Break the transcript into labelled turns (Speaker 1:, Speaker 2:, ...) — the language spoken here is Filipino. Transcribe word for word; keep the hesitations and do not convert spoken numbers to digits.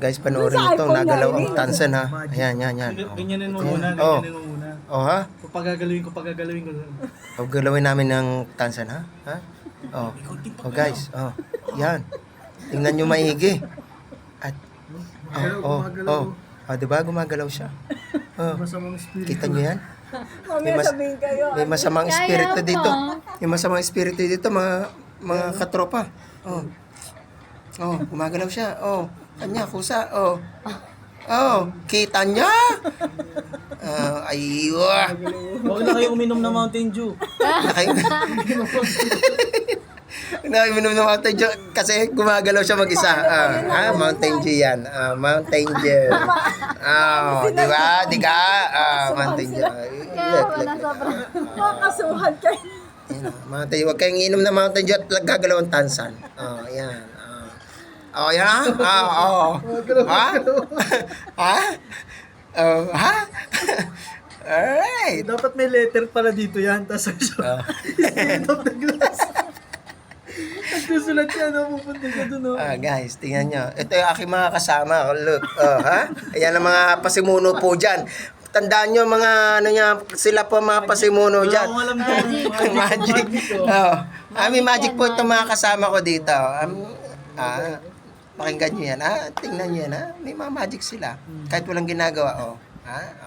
Speaker 1: Guys, panoorin mo ito. Nagalaw ang tansan ha. Ayan, yan, yan. Oh.
Speaker 2: Ganyanin mo
Speaker 1: Ito
Speaker 2: muna,
Speaker 1: yan. Oh.
Speaker 2: ganyanin mo muna.
Speaker 1: Oh, ha?
Speaker 2: Pagagalawin ko, pagagalawin ko.
Speaker 1: O, galawin namin ng tansan, ha? Ha? Oh. Oh, guys. Oh. Yan. Tingnan nyo maigi. At, oh, oh, oh. Oh, diba? Gumagalaw siya. Oh.
Speaker 2: Masamang spirit.
Speaker 1: Kita nyo yan?
Speaker 3: Mamaya
Speaker 1: mas-
Speaker 3: sabihin kayo.
Speaker 1: May masamang
Speaker 4: Kaya
Speaker 1: espiritu
Speaker 4: pa.
Speaker 1: dito. May masamang espiritu dito, mga mga katropa. Oh. Oh, gumagalaw siya. Oh, kanya kusa. Oh. Oh, kita niya. Uh, aywa.
Speaker 2: Huwag na kayo uminom ng Mountain Dew.
Speaker 1: Nakay. Nakainom ng Mountain Dew kasi gumagalaw siya mag-isa. Ah, ah, Mountain Dew yan. Ah, Mountain Dew. Ah, di ba? Di ka? Ah, Mountain Dew.
Speaker 4: Kaya wala sobrang.
Speaker 3: Makakasuhan kayo.
Speaker 1: Yan, ah, Mountain Dew. Huwag kayong inom ng Mountain Dew at gagalaw ang tansan. Oh, yan. Oh, yan ha? Ah, oh. Ha? Ha? Oh, ha? Alright.
Speaker 2: Dapat may letter pala dito yan. Tapos
Speaker 1: Oh.
Speaker 2: spirit of the glass. Nagsusulat yan, no? Pupunta ka dun, no?
Speaker 1: Ah, guys, tingnan nyo. Ito yung aking mga kasama. Look, oh, ha? Ayan ang mga pasimuno po dyan. Tandaan nyo mga ano niya, sila po mga pasimuno
Speaker 2: Wala
Speaker 1: dyan.
Speaker 2: akong alam dyan.
Speaker 1: Magic. Oh. Ah, may magic po itong mga kasama ko dito. Um, ah, pakinggan nyo yan, ha? Tingnan nyo yan, ha? May mga magic sila. Kahit walang ginagawa, oh. Ha?